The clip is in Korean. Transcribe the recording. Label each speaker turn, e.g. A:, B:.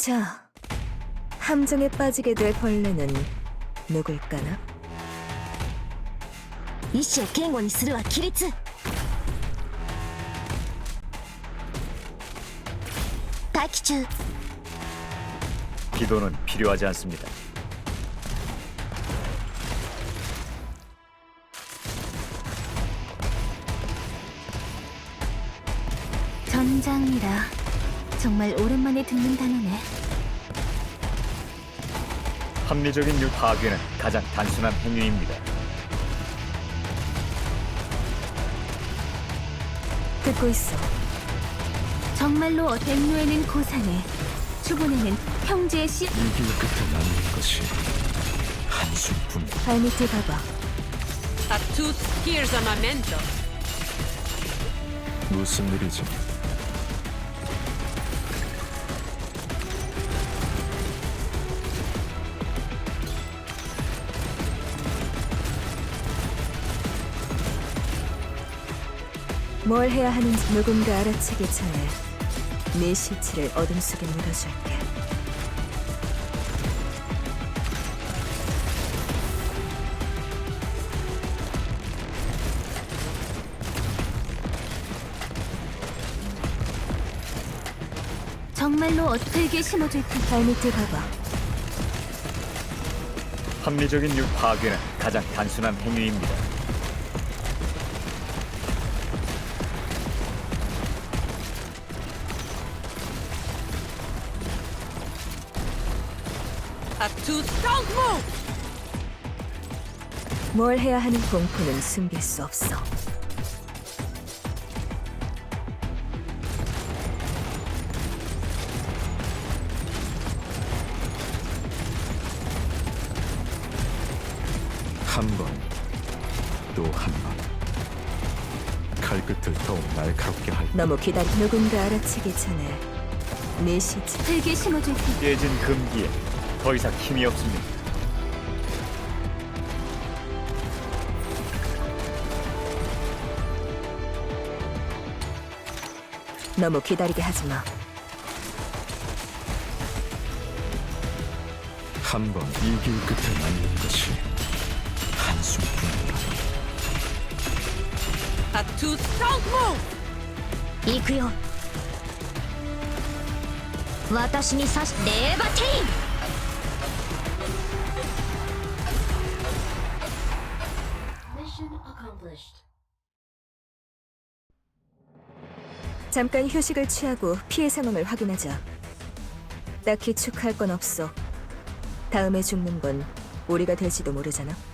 A: 자, 함정에 빠지게 될 벌레는 누굴까나?
B: 意志を堅固にするは規律。待機中。
C: 기도는 필요하지 않습니다.
B: 전장이라 정말 오랜만에 듣는 단어네.
C: 합리적인 유 파괴는 가장 단순한 행위입니다.
A: 듣고 있어.
B: 정말로 댐노에는 고산에, 추분에는 형제의 씨.
D: 이 길 끝에 남는 것이 한숨뿐.
A: 발밑에 봐봐.
E: Tattooed here's a memento.
D: 무슨 일이지?
A: 뭘 해야 하는지 누군가 알아채기 전에 네 시체를 어둠 속에 묻어줄게.
B: 정말로 어떻게 심어줄 텐데.
A: 발밑에 봐봐.
C: 합리적인 유 파괴는 가장 단순한 행위입니다.
E: Tattooed, don't move!
A: 뭘 해야 하는 공포는 숨길 수 없어.
D: 한 번, 또 한 번. 칼끝을 더욱 날카롭게 할.
A: 너무 기다리. 누군가 알아채기 전에 네 시체.
B: 흙에 심어줄 텐데.
C: 깨진 금기에 더 이상 힘이 없습니다.
A: 너무 기다리게 하지 마.
D: 한 번 이 길 끝에 남는 것이 한숨뿐이다.
E: Tattooed, don't move!
B: 行くよ。私に刺しレーバテイン。
A: 잠깐 휴식을 취하고 피해 상황을 확인하자. 딱히 축하할 건 없어. 다음에 죽는 건 우리가 될지도 모르잖아.